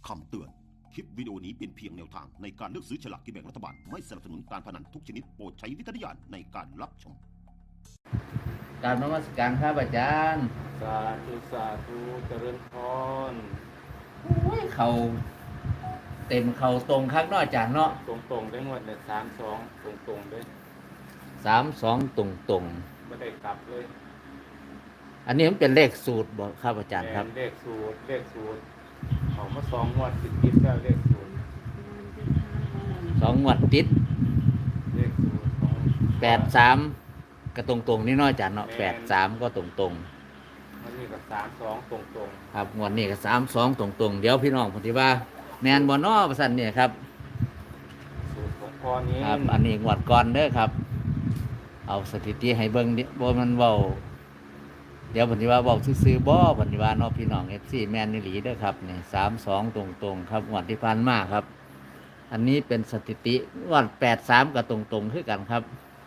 คำเตือน คลิปวิดีโอนี้เป็นเพียงแนวทางในการเลือกซื้อฉลากกินแบ่งรัฐบาล ไม่สนับสนุนการพนันทุกชนิดโปรดใช้วิจารณญาณในการรับชมกราบนมัสการครับอาจารย์สาธุสาธุเจริญพรเขาเต็มเขาตรงครับเนาะอาจารย์เนาะตรงๆได้หมดเลย32ตรงๆเลย 32ตรงไม่ได้กลับเลยอันนี้มันเป็นเลขสูตรบ่ครับอาจารย์ครับเลขสูตรออกมา2 งวดติดแล้วเลขสูตร 2 งวดติดเลขสูตรของ 83ก็ตรงๆนี่เนาะอาจารย์เนาะ83ก็ตรงมันมีกับ32ตรงๆครับงวดนี้ก็32ตรงๆเดี๋ยวพี่น้องผมสิว่าแม่นบ่เนาะว่าซั่นเนี่ยครับสูตรของพ่อนี้ครับอันนี้งวดก่อนเด้อครับเอาสถิติให้เบิ่งบ่มันเว้าเดี๋ยวผมสิว่าเว้าซื่อๆบ่ผมสิว่าเนาะพี่น้อง FC แม่นอีหลีเด้อครับนี่32ตรงๆครับงวดที่ผ่านมาครับอันนี้เป็นสถิติงวด83ก็ตรงๆคือกันครับ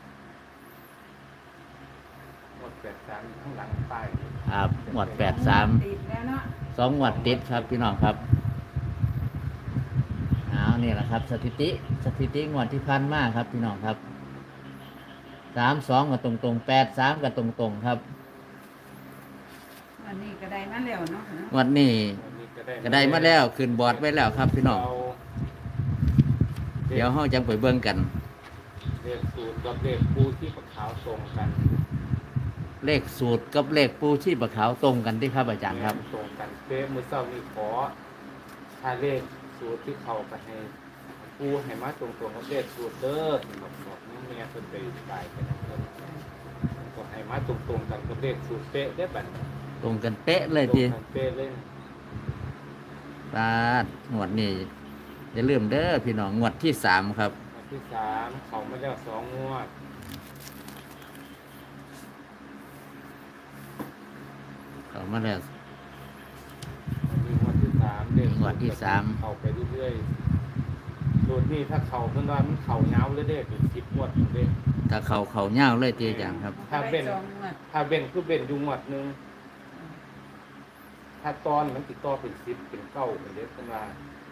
งวด83ข้างหลังป้ายครับงวด83 2งวดติดครับพี่น้องครับนี่แหละครับสถิติงวดที่ผ่านมาครับพี่น้องครับ32ก็ตรงๆ83ก็ตรงๆครับวันนี้ก็ได้มาแล้วเนาะวันนี้ก็ได้มาแล้วขึ้นบอร์ดไว้แล้วครับพี่น้องเดี๋ยวเฮาจังไปเบิ่งกันเลขสูตรกับเลขปูที่ปะขาวตรงกันเลขสูตรกับเลขปูชีพขาวตรงกันที่ครับอาจารย์ครับตรงกันเป๊ะมื้อเช้านี้ขอถ้าเลขสูตรที่เข้าไปให้ปูให้มาตรงๆกับเลขสูตรเด้อสำหรับบอกแม่เพิ่นไปบายกันนะครับก็ให้มาตรงๆกันกับเลขสูตรเป๊ะได้บัดตรงกันเป๊ะเลยทีเป๊ะเลยปาดงวดนี้อย่าลืมเด้อพี่น้องงวดที่3ครับงวดที่3เขามาแล้ว2 งวดเขามาแล้วงวดที่3เด้งวดที่3 เข้าไปเรื่อยๆสูตรนี้ถ้าเข้าเพิ่นว่ามันเข้ายาวเลยเด้เป็น10 งวดเด้ถ้าเขายาวเลยทีอาจารย์ครับถ้าเว้นคือเว้นอยู่งวดนึงถ้าตอนมันติดต่อเป็น10เป็น9เป็นเด้เพิ่นว่า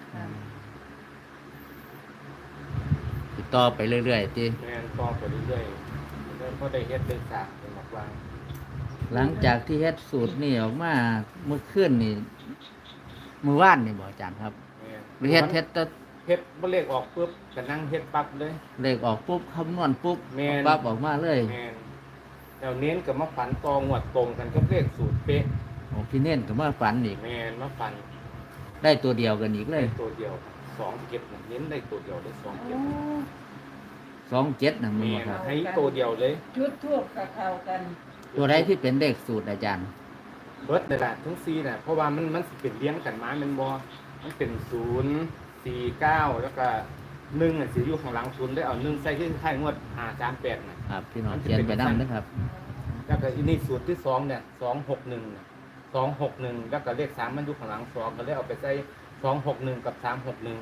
ติดต่อไปเรื่อยๆทีแม่นต่อไปเรื่อยๆแล้วก็ได้เฮ็ดได้สร้างเป็นบอกว่าหลังจากที่เฮ็ดสูตรนี่ออกมาเมื่อคืนนี่มื้อวานนี่บ่อาจารย์ครับหรือเฮ็ดบ่เลขออกปุ๊บก็นั่งเฮ็ดปั๊บเลยเลขออกปุ๊บคำนวณปุ๊บปั๊บออกมาเลยแม่นแล้วเน้นก็มาฝันตองวดตรงกันกับเลขสูตรเป๊ะพี่เน้นก็มาฝันอีกแม่นมาฝันได้ตัวเดียวกันอีกเลยตัวเดียว2 7น่ะเน้นได้ตัวเดียวได้ 2 7น่ะมันบ่ครับให้ตัวเดียวเลยจุดทูบกับเข้ากันตัวใดที่เป็นเลขสูตรอาจารย์เบิดนั่นแหละทั้ง4น่ะเพราะว่ามันสิเป็นเลี้ยงกันมามันบ่มันเป็น0 4 9แล้วก็1น่ะสิอยู่ข้างหลัง0ได้เอา1ใส่คือท้ายงวด538น่ะครับพี่น้องเขียนไปนำนะครับแล้วก็อีนี่สูตรที่2เนี่ย261น่ะ261แล้วก็เลข3มันอยู่ข้างหลัง2ก็เลยเอาไปใส่261กับ361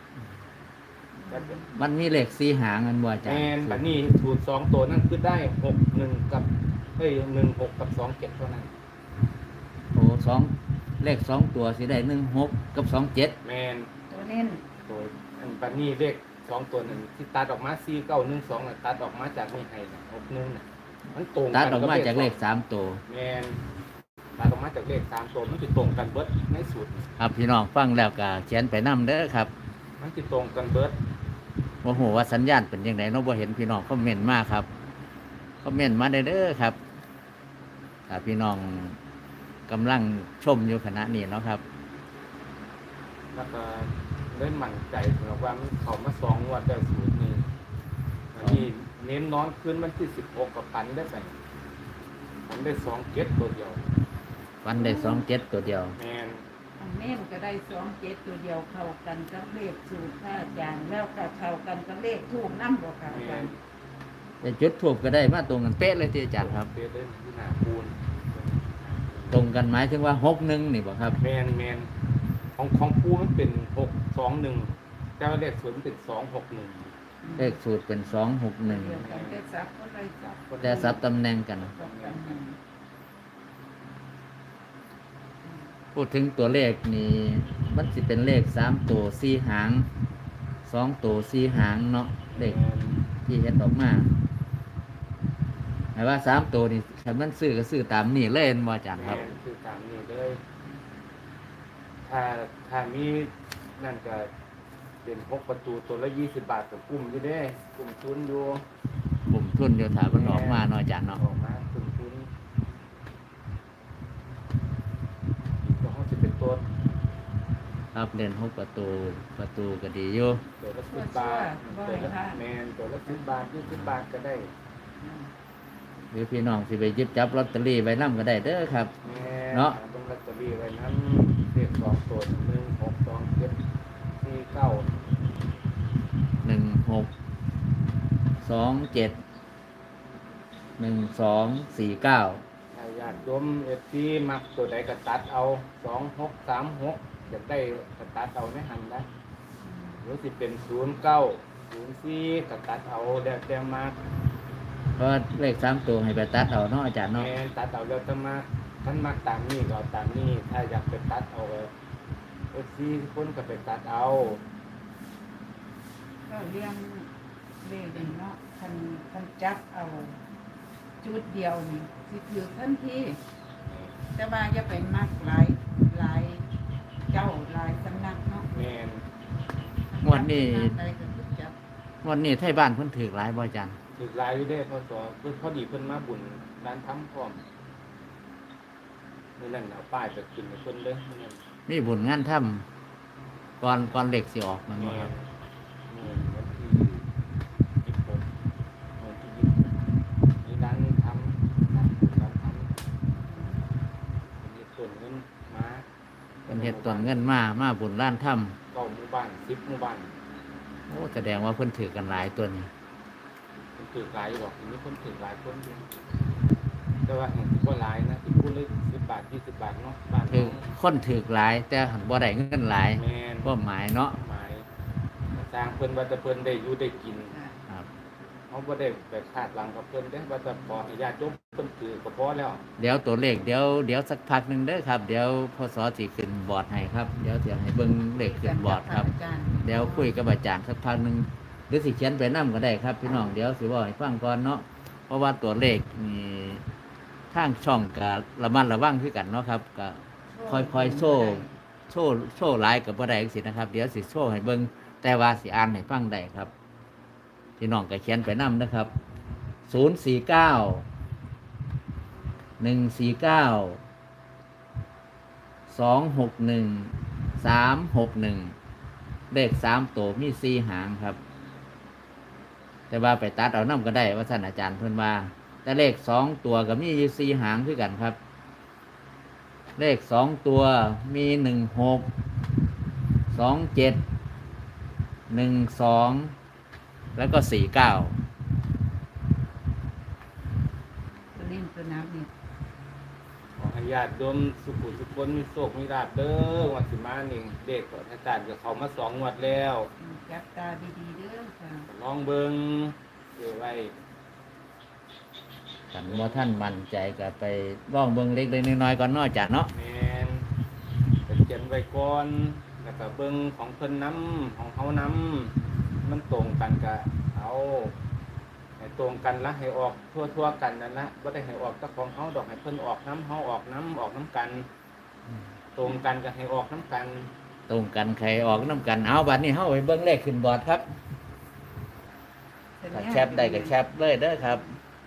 มันมีเลข4หางกันบ่อาจารย์บัดนี้สูตร2ตัวนั้นคือได้61กับ16กับ27เท่านั้นโอ้2เลข2ตัวสิได้16กับ27 แม่นตัวเน้นตัวอันบัดนี้เลข2ตัวนั้นที่ตัดออกมา4912น่ะตัดออกมาจากนี่ให้61น่ะมันตรงกันตัดออกมาจากเลข3ตัวแม่นตัดออกมาจากเลข3ตัวมันสิตรงกันเบิดในสูตรครับพี่น้องฟังแล้วก็เขียนไปนำเด้อครับมันสิตรงกันเบิดบ่ฮู้ว่าสัญญาณเป็นจังได๋เนาะบ่เห็นพี่น้องคอมเมนต์มาครับคอมเมนต์มาได้เด้อครับถ้าพี่น้องกำลังชมอยู่ขณะนี้เนาะครับแล้วก็ได้มั่นใจสำหรับว่ามันเข้ามา2 งวดได้สูตรนี้อันนี้เน้นนอนคืนวันที่16กับพันได้ไปมันได้27ตัวเดียววันได้27ตัวเดียวแม่นเน้นก็ได้27ตัวเดียวเข้ากันกับเลขสูตรพระอาจารย์แล้วก็เข้ากันกับเลขทูปนำบ่ค่ะอาจารย์แต่จุดทูปก็ได้มาตรงกันเป๊ะเลยที่อาจารย์ครับเป๊ะเลยที่หน้าปูนตรงกันหมายถึงว่า61นี่บ่ครับแม่นของปูมันเป็น621แต่ว่าเลขสูตรมันเป็น261 เลขสูตรเป็น261แต่ซับตำแหน่งกันพูดถึงตัวเลขนี่มันสิเป็นเลข3ตัว4หาง2ตัว4หางเนาะเลขที่เฮ็ดออกมาหมายว่า3ตัวนี่คันมันซื้อก็ซื้อตามนี่เลยแม่นบ่อาจารย์ครับแม่นคือตามนี้เลยถ้ามีนั่นก็เป็น6ประตูตัวละ20 บาทกับกลุ่มอยู่เด้กลุ่มทุนอยู่ผมทุนอยู่ถ้ามันออกมาเนาะอาจารย์เนาะออกมากลุ่มทุนก็เขาจะเป็นตัวครับเล่น6ประตูก็ดีอยู่ตัวละ10 บาทตัวละแมนตัวละ10 บาท20 บาทก็ได้หรือพี่น้องสิไปหยิบจับลอตเตอรี่ไว้นำก็ได้เด้อครับแม่เนาะต้องลอตเตอรี่ไว้นั้นเลข2ตัว1 6 2 7 4 9 16271249 ถ้าญาติโยมFCมักตัวใดก็ตัดเอา2636จะได้ก็ตัดเอาในหันนะหรือสิเป็น0904ก็ตัดเอาแล้วแต่มากเพราะเลข3ตัวให้ไปตัดเอาเนาะอาจารย์เนาะแม่นตัดเอาแล้วแต่มากท่านมักตามนี้ก็เอาตามนี้ถ้าอยากไปตัดเอาFC คนก็ไปตัดเอาก็เลี้ยงเลขนี่เนาะคันจับเอาจุดเดียวนี่สิถือทันทีแต่ว่าอย่าไปมักหลายเจ้าหลายสำนักเนาะแม่นงวดนี้ใดก็คือจับงวดนี้ไทบ้านเพิ่นถือหลายบ่อาจารย์ถึกหลายอยู่เด้พอสอเพิ่นพอดีเพิ่นมาบุญร้านทำพร้อมมื้อนั้นเอาป้ายไปขึ้นให้เพิ่นเด้อมื้อนั้นมีบุญงานทำก่อนเลขสิออกมันบ่ครับวันที่26วันที่20มีร้านทำร้านทำมีส่วนเงินมาเป็นเฮ็ดต้นเงินมาบุญร้านทำ 9หมู่บ้าน10หมู่บ้านโอ้แสดงว่าเพิ่นถือกันหลายตัวนี้เพิ่นถือหลายอยู่ดอกมีคนถือหลายคนอยู่แต่ว่าแห่งที่บ่หลายนะที่พูดเลย10 บาท20 บาทเนาะบ้านถือคนถือหลาย แต่หันบ่ได้เงินหลายแม่นบ่หมายเนาะหมายสร้างเพิ่นว่าแต่เพิ่นได้อยู่ได้กินครับเขาบ่ได้ไปคาดหวังกับเพิ่นเด้ว่าแต่พอให้ญาติโยมเพิ่นถือก็พอแล้วเดี๋ยวตัวเลขเดี๋ยวสักพักหนึงเด้อครับ เดี๋ยวพศสิขึ้นบอร์ดให้ครับเดี๋ยวสิให้เบิ่งเลขขึ้นบอร์ดครับ เดี๋ยวคุยกับอาจารย์สักพักหนึงหรือสิเขียนไปนำก็ได้ครับ พี่น้องเดี๋ยวสิบอกให้ฟังก่อนเนาะเพราะว่าตัวเลขนี่ทางช่องก็ระมัดระวังคือกันเนาะครับก็ค่อยๆโชว์หลายก็บ่ได้จังซี่นะครับ เดี๋ยวสิโชว์ให้เบิ่งแต่ว่าสิอ่านให้ฟังได้ครับ พี่น้องก็เขียนไปนำนะครับ049 149 261 361เลข3ตัวมี4หางครับ แต่ว่าไปตัดเอานำก็ได้ว่าท่านอาจารย์เพิ่นว่าแต่เลข2ตัวก็มีอยู่4หางคือกันครับ เลข2ตัวมี16 27 12แล้วก็49 ตัวเล่นตัวน้ำนี่ขอให้ญาติโยมสุขุสุขคนมีโชคมีลาภเด้อวันสิมานี่เด็กของอาจารย์ก็เข้ามา2งวดแล้วจับตาดีๆเด้อค่ะลองเบิ่งเดี๋ยวไว้กันว่าท่านมั่นใจก็ไปล่องเบิ่งเล็กๆน้อยๆก่อนเนาะอาจารย์เนาะแม่นไปเขียนไว้ก่อนแล้วก็เบิ่งของเพิ่นนำของเฮานำมันตรงกันก็เอาให้ตรงกันละให้ออกทั่วๆกันนั่นละบ่ได้ให้ออกแต่ของเฮาดอกให้เพิ่นออกน้ำเฮาออกน้ำกัน ตรงกันก็ให้ออกน้ำกันตรงกันใครออกน้ำกันเอาบัดนี้เฮาไปเบิ่งเลขขึ้นบอร์ดครับถ้าแคปได้ก็แคปเลยเด้อครับ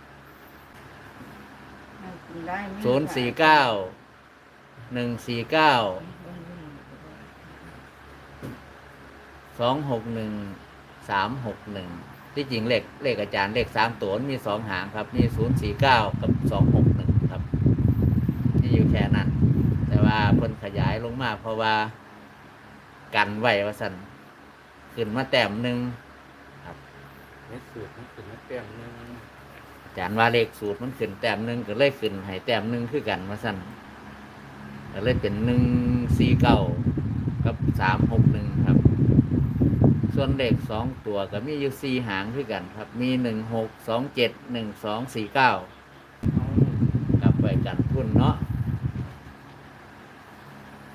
049 149 261 361ที่จริงเลขอาจารย์เลข3ตัวมี2หางครับมี049กับ261ครับนี่อยู่แค่นั้น แต่ว่าเพิ่นขยายลงมาเพราะว่ากันไว้ว่าซั่นขึ้นมาแต้มหนึงในสูตรมันขึ้นมาแต้มหนึงอาจารย์ว่าเลขสูตรมันขึ้นแต้มหนึงก็เลยขึ้นให้แต้มหนึงคือกันว่าซั่นก็เลยเป็น149กับ361ครับ ส่วนเลข2ตัวก็มีอยู่4หางคือกันครับมี16 27 12 49กลับไปกันทุนเนาะ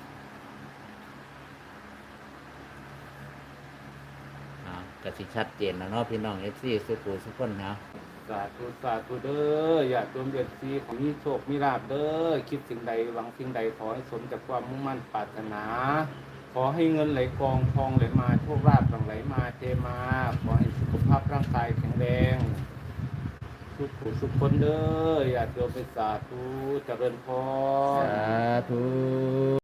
ก็สิชัดเจนแล้วเนาะพี่น้อง FC สุขุสุขคนเนาะสาธุสาธุเด้ออย่าจมเดือดซีของมีโชคมีลาภเด้อคิดสิ่งใดหวังสิ่งใดขอให้สมจากความมุ่งมั่นปรารถนา ขอให้เงินไหลกองทองไหลมาโชคลาภหลั่งไหลมาเทมาขอให้สุขภาพร่างกายแข็งแรงสุขผู้สุขคนเด้ออย่าโยมไปสาธุเจริญพรสาธุ